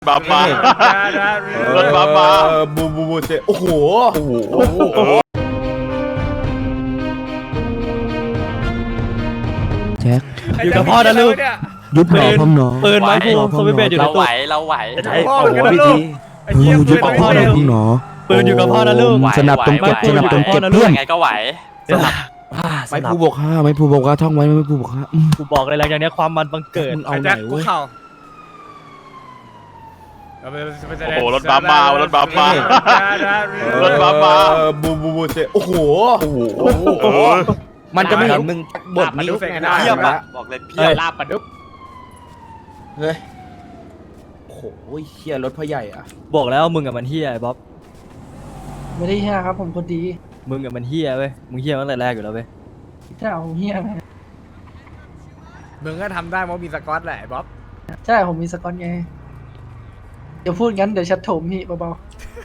บัมมารถบัมมาบูเซโอ้โหแจ็คอยู่กับพ่อนะลูกยุบหนอพองหนอปืนไม้พวงสวิตช์เบสอยู่ในเราตู้ไหวเราไหวพ่ออยู่กับลูกยุบหนอพองหนอปืนอยู่กับพ่อนะลูกสนับตรงเก็บสนับตรงเก็บเพื่อนยังไงก็ไหวไม่ผู้บกห้าไม่ผู้บกห้าท่องไว้ไม่ผู้บกห้ากูบอกเลยหลังจากนี้ความมันบังเกิดมึงเอาไหนเว้ยโอ้โหรถบัมมารถบัมมารถบัมมาบูเซโอ้โหมันจะไม่เห็นมึงบทนี้เพียบอะบอกเลยเพียบลาบปะดุ๊บเฮ้ยโอ้โหเฮียรถพ่อใหญ่อะบอกแล้วมึงกับมันเฮียไอ้บ๊อบไม่ได้เฮียครับผมคนดีมึงกับมันเฮียเว้ยมึงเฮียตั้งแต่แรกอยู่แล้วเว้ยใช่ผมเฮียไหมมึงก็ทำได้เพราะมีสกอตแหละไอ้บ๊อบใช่ผมมีสกอตไงเดี๋ยวพูดงั้นเดี๋ยวชัดโถมพี่เบา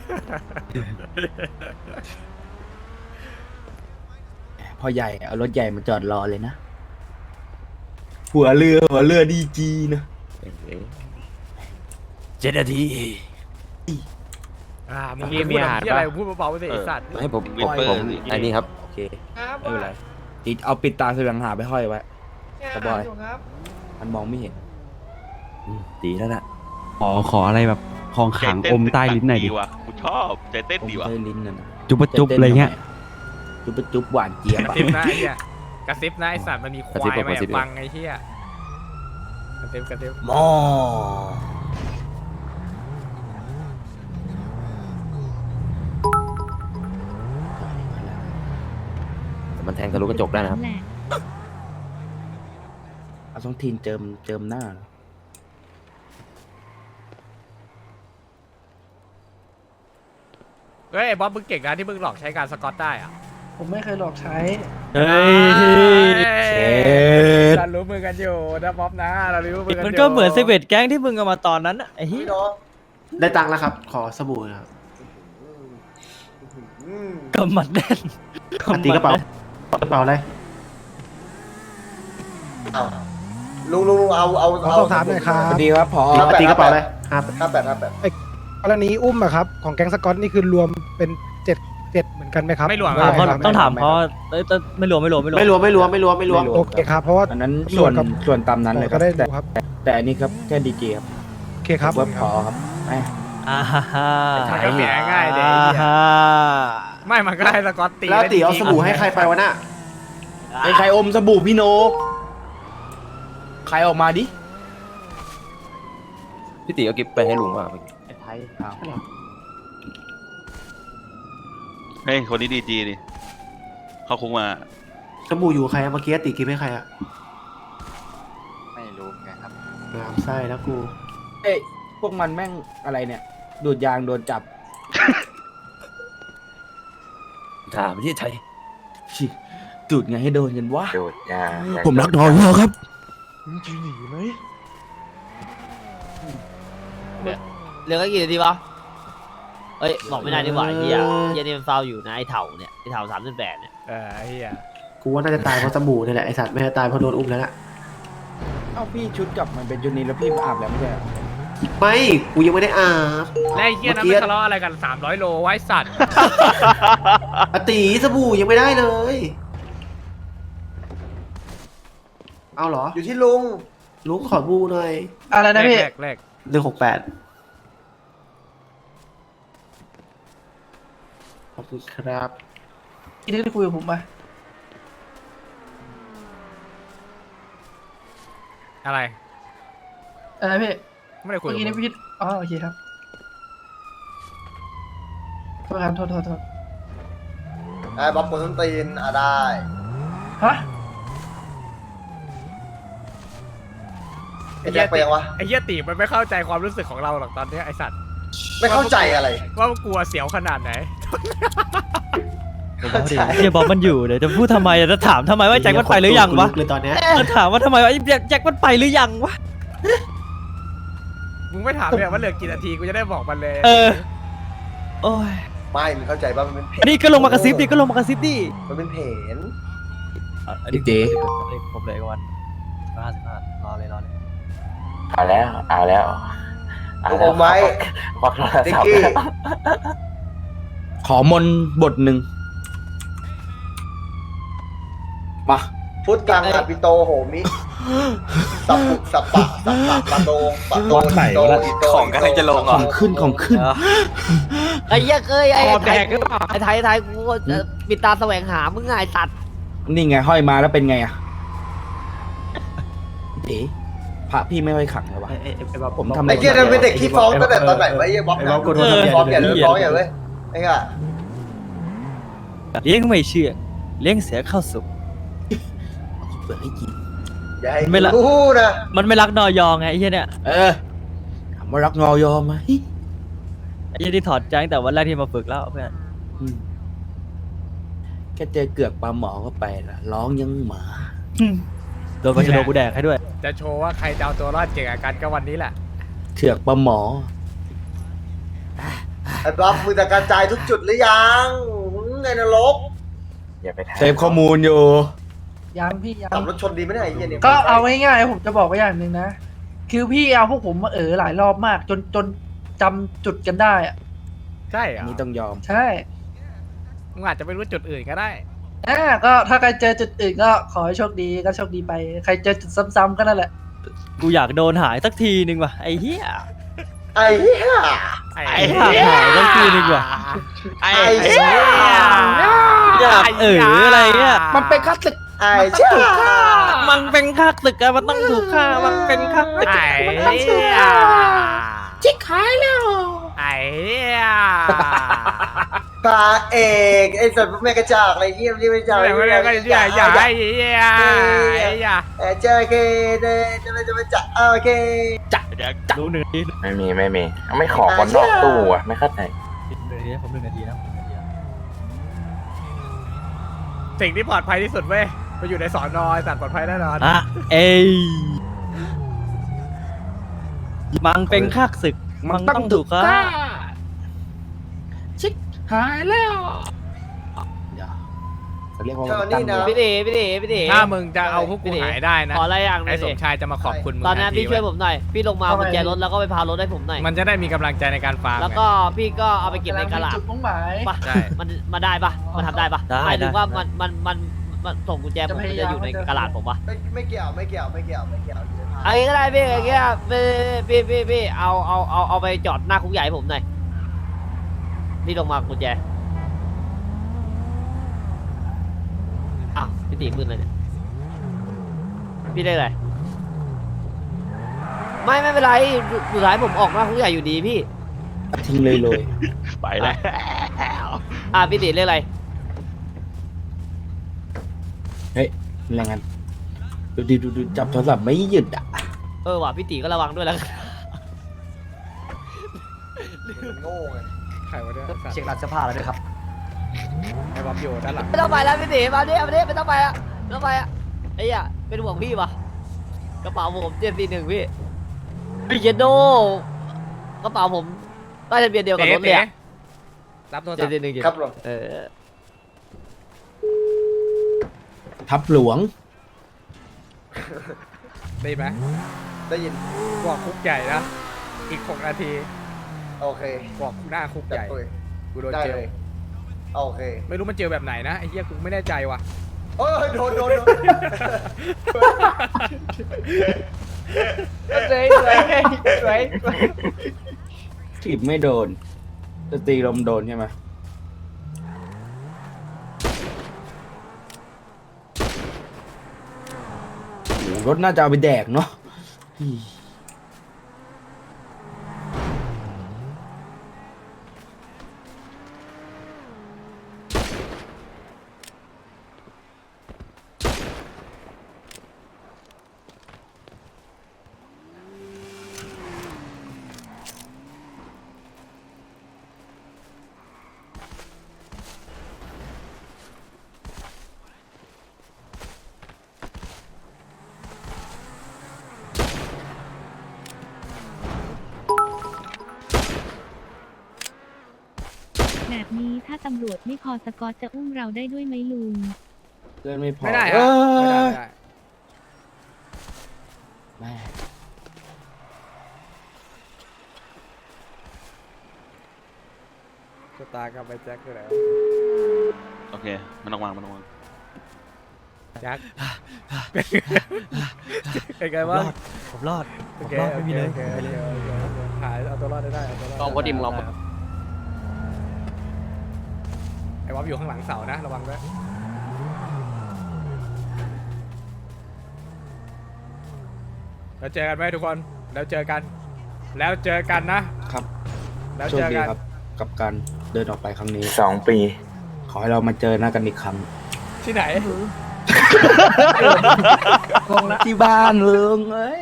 พ่อใหญ่เอารถใหญ่มาจอดรอเลยนะหัวเรือดีจีนะ 7 นาทีมึงพูดอะไรพูดเบาๆไปสิไอ้สัตว์ให้ผมอันนี้ครับโอเคไม่เป็นไรติดเอาปิดตาแสวงหาไปห้อยไว้กระบอยมันมองไม่เห็นดีแล้วน่ะขออะไรแบบของขังอมใต้ลิ้นหน่อยดิว่ะกูชอบใจเต้นดีว่ะใต้ลิ้นน่ะนะจุ๊บจุ๊บอะไรเงี้ยจุ๊บหวานเจี๊ยบกระอะซิบนะไอ้เหี้ยกระซิบนะไอ้สัตว์มันมีควายมาแอบฟังไอ้เหี้ยกระซิบหมอมันแทงทะลุกระจกได้นะครับเอาสองทีนเจิมหน้าเหรอเฮ้ยไอ้บ๊อบมึงเก่งนะที่มึงหลอกใช้การสกอตได้อะๆผมไม่เคยหลอกใช้เฮ้ยเรารู้มือกันอยู่นะบ๊อบนะเรารู้มือกันอยู่มันก็เหมือนเซเวตแก๊งที่มึงเอามาตอนนั้นอะไอ้เหี้ยได้ตังค์แล้วครับ ขอสบู่ครับกำมัดแน่นตีกระเป๋า กระเป๋าอะไรลุงเอาถามหน่อยครับสวัสดีครับพอตีกระเป๋าอะไรครับกรณีอุ้มอะครับของแก๊งสกอตนี่คือรวมเป็นเจ็ดเหมือนกันไหมครับไม่รวมต้องถามเขาไม่รวมไม่รวมโอเคครับเพราะว่าอันนั้นส่วนตามนั้นเลยคก็รับได้แต่ดูครับแต่อันนี้ครับแค่ดีเจครับโอเคครับเว็บพอครับแหมอ่าฮ่าฮ่ามันก็เสียง่ายเด็กฮ่าไม่มันก็ให้สกอตตีแล้วตีเอาได้จสริงๆบู่ให้ใครไปวะน่ะใครอมสบู่พี่โนใครออกมาดิพี่ตีเอากิฟไปให้ลุงว่าไอ้ไทยเฮ้ยคนนี้ดีจีนี่เข้าคุกมาสบู่อยู่ใครอะเมื่อกี้ตีกิฟให้ใครอะไม่รู้ไงครับน้ำไส้แล้วกูเอ้ยพวกมันแม่งอะไรเนี่ย ดูดยางโดนจับถามที่ไทยชิดูดไงให้โดนกันวะโดดยาผมรักน้องเขาครับเหลือกี่นาทีวะเอ้ยบอกไม่ได้ดีกว่าไอ้เหี้ยนี่มันฟาวอยู่นะไอ้เถ่าเนี่ยไอ้เถ่า38เนี่ยไอ้เหี้ยกูว่าน่าจะตายเพราะสบู่นี่แหละไอสัตว์ไม่ได้ตายเพราะโดนอุ้มแล้วล่ะเอ้าพี่ชุดกลับมันเป็นชุดนี้แล้วพี่มาอาบแล้วไม่ใช่เหรอไม่ กูยังไม่ได้อาบและไอ้เหี้ยนั้นไม่ทะเลาะอะไรกัน300 โลไว้สัตว์อะตีสบู่ยังไม่ได้เลย เอาเหรออยู่ที่ลุงลุงขอบูหน่อยอะไรนะพี่แรก 168ขอบคุณครับที่ได้คุยกับผมมาอะไรอะไรพี่ไม่ได้คุยเมื่อกี้กับนี่มึงพี่อ๋อโอเคครับโทษครับโทษไอ้บ๊อบคนต้นตีนได้ฮะไอ้แจ็คไปยังวะไอ้เหี้ยตีมันไม่เข้าใจความรู้สึกของเราหรอกตอนเนี้ยไอ้สัตว์ไม่เข้าใจอะไรว่ามันกลัวเสียวขนาดไหนเฮียบอกมันอยู่เดี๋ยวจะพูดทำไมจะถามทำไมว่าแจ็คมันไปหรือยังวะเลยตอนเนี้ยจะถามว่าทำไมว่าแจ็คมันไปหรือยังวะมึงไม่ถามเลยว่าเหลือกี่นาทีกูจะได้บอกมันเลยโอ้ยไม่มึงเข้าใจป่ะมันเป็นเพจนี่ก็ลงมากระซิบดิก็ลงมากระซิบดิมันเป็นเพจพี่เจ๊ผมเลยกันวัน55รอเลยเอาแล้วอมไว้ติ๊กกี้ขอมนต์บทหนึ่งมาพุทธังอภิโตโหมิสัพพุสัพปะสัพปะปะโตปะโตอิโตอิโตของกันจะลงขอ่ะองขึ้นของขึ้นไอ้เหี้ยเคยไอ้คอแดไทยกหรือเปล่าไอ้ไทยกูปิดตาแสวงหามึงไงไอ้สัตว์นี่ไงห้อยมาแล้วเป็นไงอะเอ๋พระพี่ไม่ค่อยขังเลยวะผมทำไอ้เกียร์เป็นเด็กขี้ฟ้องตั้งแต่ตอนไหนวะไอ้บ๊อบฟ้องอย่าเลยฟ้องอย่าเลยไอ้เงี้ยเลี้ยงไม่เชื่อเลี้ยงเสียเข้าสุกเปิดให้กินอย่าให้รู้นะมันไม่รักนอยองไงไอ้เหี้ยเนี่ยถามว่ารักงอยอมไหมไอ้เหี้ยที่ถอดใจตั้งแต่วันแรกที่มาฝึกแล้วเพื่อนแค่เจอเกือกปลาหมอเข้าไปละร้องยังหมาโดนกระโดดกูแดกให้ด้วยจะโชว์ว่าใครจะเอาตัวรอดเก่งกันก็วันนี้แหละเถือกปลาหมอไอ้บ๊อบมึงจะกระจายทุกจุดหรือยังไงนรกเซฟข้อมูลอยู่ยังพี่ยังขับรถชนดีไหมเนี่ยไอ้เหี้ยเนี่ยก็เอาง่ายๆผมจะบอกไว้อย่างหนึ่งนะ คือพี่เอาพวกผมมาหลายรอบมาก จนจำจุดกันได้อะใช่เหรอันอนี้ต้องยอมใช่มึงอาจจะไม่รู้จุดอื่นก็ได้ก็ถ้าใครเจอจุดอื่นก็ขอให้โชคดีก็โชคดีไป ใครเจอจุดซ้ำๆก็นั่นแหละกูอยากโดนหายสักทีนึงว่ะไอ้เหี้ยไอ้เหี้ยอยากหายสักทีนึงว่ะไอ้เหี้ยอยากอะไรเงี้ยมันเป็นคลาสสิกไอ้เหี้ยมันเป็นค่าศึกอะมันต้องถูกฆ่ามันเป็นค่าศึกไอ้เหี้ยชิคหายแล้วไอ้เหี้ยพระเอกไอ้สัตว์แม่กระจอกอะไรเงี้ยไม่กระจอกไม่ได้ก็อย่าไอ้เหี้ยไอ้เหี้ยเจอเคเดจะไปจับโอเครู้หนึ่งนาทีไม่มีไม่ขอคนนอกตู้อ่ะไม่เข้าใจผม1 นาทีนะสิ่งที่ปลอดภัยที่สุดเว้ยไปอยู่ในสอนอสัตว์ปลอดภัยแน่นอนอ่ะเอ้ยมันเป็นค่าศึกมันต้องถูกฆ่าชิคหายแล้วเดี๋ยวเขาเรียกว่าเท่านี้นะพี่ตีถ้ามึงจะเอาพวกกูหายได้นะขออะไรอย่างหนึไอ้งสดิมชายจะมาขอบคุณมึงตอนนั้นทัพี่ช่วยเว้ผมหน่อย พี่ลงมากุญแจรถแล้วก็ไปพารถให้ผมหน่อยมันจะได้มีกำลังใจในการฟาร์มแล้วก็พี่ก็เอาไปเก็บในกระดาษจุดมุ่งหมายปะใช่มันมาได้ปะมันทำได้ปะหมายถึงว่ามันส่งกุญแจผมมันจะอยู่ในกระดาษผมปะไม่เกี่ยวไอ้ก็ได้พี่ไอ้เงี้ยพี่เอาไปจอดหน้าคุกใหญ่ให้ผมหน่อยพี่ลงมากุญแจอ้าวพี่ตีมืดเลยเนี่ยพี่ได้อะไรไม่เป็นไรสุดท้ายผมออกหน้าคุกใหญ่อยู่ดีพี่ทิ้งเลยเลยไปแล้วพี่ตีเรียกอะไรเฮ้ยแรงงานดูจับโทรศัพท์ไม่หยุดอ่ะว่ะพี่ตีก็ระวังด้วยแล้วโง่ไงใครวะเนี่ยสัตว์เช็คร้านเสื้อผ้าแล้วด้วยครับไอ้บ๊อบอยู่ด้านหลังไม่ต้องไปแล้วพี่ตีมาเนี่ยไม่ต้องไปอ่ะไม่ต้องไปอ่ะไอ้เหี้ยเป็นห่วงพี่ปะกระเป๋าผม741พี่พี่เจโดกระเป๋าผมใต้ทะเบียนเดียวกับรถเลยอะรับโทรศัพท์ 741 ครับผมทับหลวงได้ไหมได้ยินบอกคุกใหญ่นะอีก6 นาทีโอเคบอกหน้าคุกใหญ่ กูโดนได้เจเลลยโอเคไม่รู้มันเจลแบบไหนนะไอ้เหี้ยกูไม่แน่ใจว่ะโอ้ยโดนถีบไม่โดนจะตีลมโดนใช่ไหมโอ้โหรถน่าจะเอาไปแดกเนาะแบบนี้ถ้าตำรวจไม่พอสกอตจะอุ้มเราได้ด้วยไหมลุงเกินไม่พอไม่ได้เอฮะอไม่ได้แม่สตาร์กับไปแจ็คคืออะไรวะโอเคไม่ต้องวางไม่ต้องวางแจ็คเป็นไงบ้างผมรอดโอผมเครอดไม่มีเลยโอเคไปเลยหายเอาตัวรอดได้เอาตัวรอดลองพอดิมลองไอ้วอฟอยู่ข้างหลังเสานะระวังด้วยแล้วเจอกันไหมทุกคนแล้วเจอกันนะครับ แล้วโชคเจอดีกันครับกับการเดินออกไปครั้งนี้ 2 ปีขอให้เรามาเจอหน้ากันอีกครั้งที่ไหนที่บ้านเลิงเอ้ย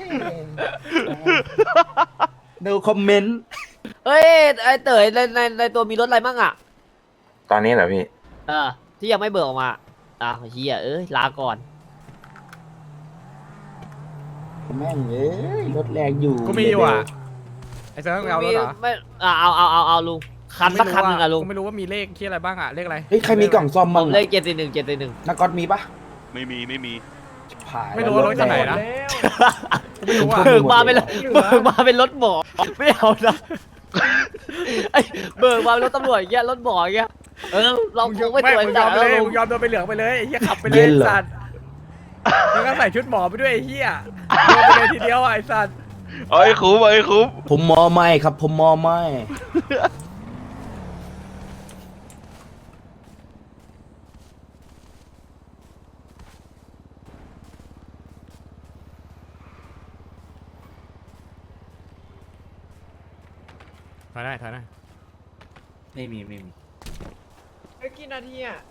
ดูคอมเมนต์เฮ้ยไอเต๋ยในตัวมีรถอะไรมั่งอ่ะตอนนี้เหรอพี่ที่ยังไม่เบิกออกมาเฮียลาก่อนแม่งเอ้ยรถแรงอยู่กูมีอยู่อ่ะไอ้เซิร์ฟเอารถเหรอไม่เอาลุงคันสักคันหนึ่งอะลุงกูไม่รู้ว่ามีเลขที่อะไรบ้างอ่ะเลขอะไรเฮ้ยใครมีกล่องซ่อมผบ้างมเลข741 นักก๊อตมีปะไม่มีผ่านไม่รู้ว่ารถจากไหนนะกูไม่รู้อ่ะเบิกมาเป็นรถหมอไม่เอานะไอเบิกมาเป็นรถตำรวจอย่างเงี้ยรถหมออย่างเงี้ยเราคงไม่สวยมึงยจัอดมไปแล้วเลยลุมึงงยอมโดนไปเหลืองไปเลยไอ้เหี้ยขับไปเลยไอ้สัตว์แล้วก็ใส่ชุดหมอไปด้วยไอ้เหี้ยโดนไปเลยทีเดียวอ่ะไอ้สัตว์เอ้ยคุ้มเอ้ยคุ้มผมมอไม่ครับผมมอไม่ถอยได้ถอยได้ไม่มีกี่นาทีอ่ะ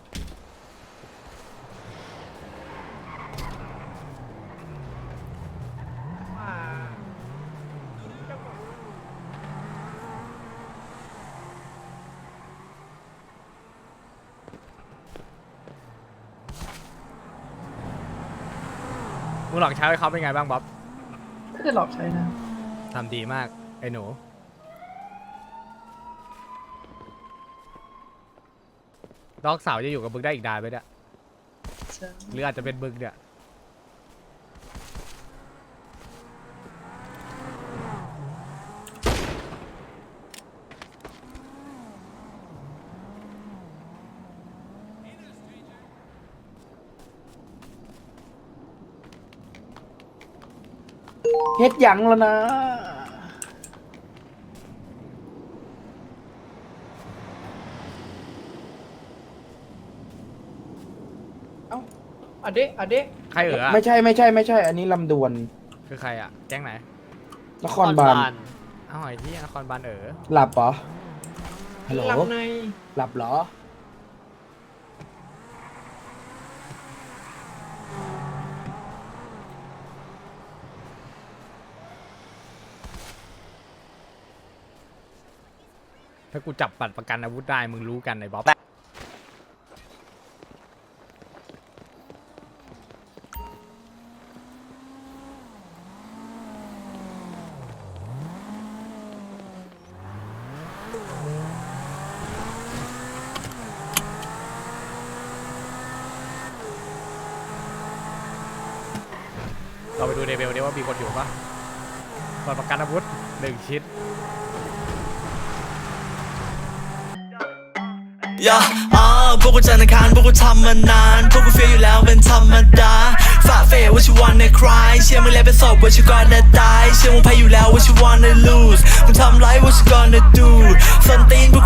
มึงหลอกใช้เขาเป็นไงบ้างบ๊อบไม่ได้หลอกใช้นะทำดีมากไอ้หนูดอกสาวจะอยู่กับบึกได้อีกนานไหมเนี่ยหรืออาจจะเป็นบึกเนี่ยเฮ็ดหยังแล้วนะอเดะใครเอ๋อไม่ใช่อันนี้ลำดวนคือใครอ่ะแก๊งไหนนครบาลอ้าวไอ้ที่นครบาลเอ๋อหลับเหรอฮัลโหลหลับในหลับเหรอถ้ากูจับบัตรประกันอาวุธได้มึงรู้กันไอ้บ๊อบ เราไปดูเดเบลดิว่ามีคนอยู่ปะบัตรประกันอาวุธ1 ชิ้นพวกกูจันทร์อังคารพวกกูทำมานานพวกกูเฟียอยู่แล้วเป็นธรรมดาฝ่าเฟยว่าชิวันในคลายเชื่อมึงแล้วเป็นศพว่าชิวก่อนจะตายเชื่อมึงแพ้อยู่แล้วว่าชิวันใน lose มึงทำไรว่าชิวก่อนจะ do ส้นตีนพวก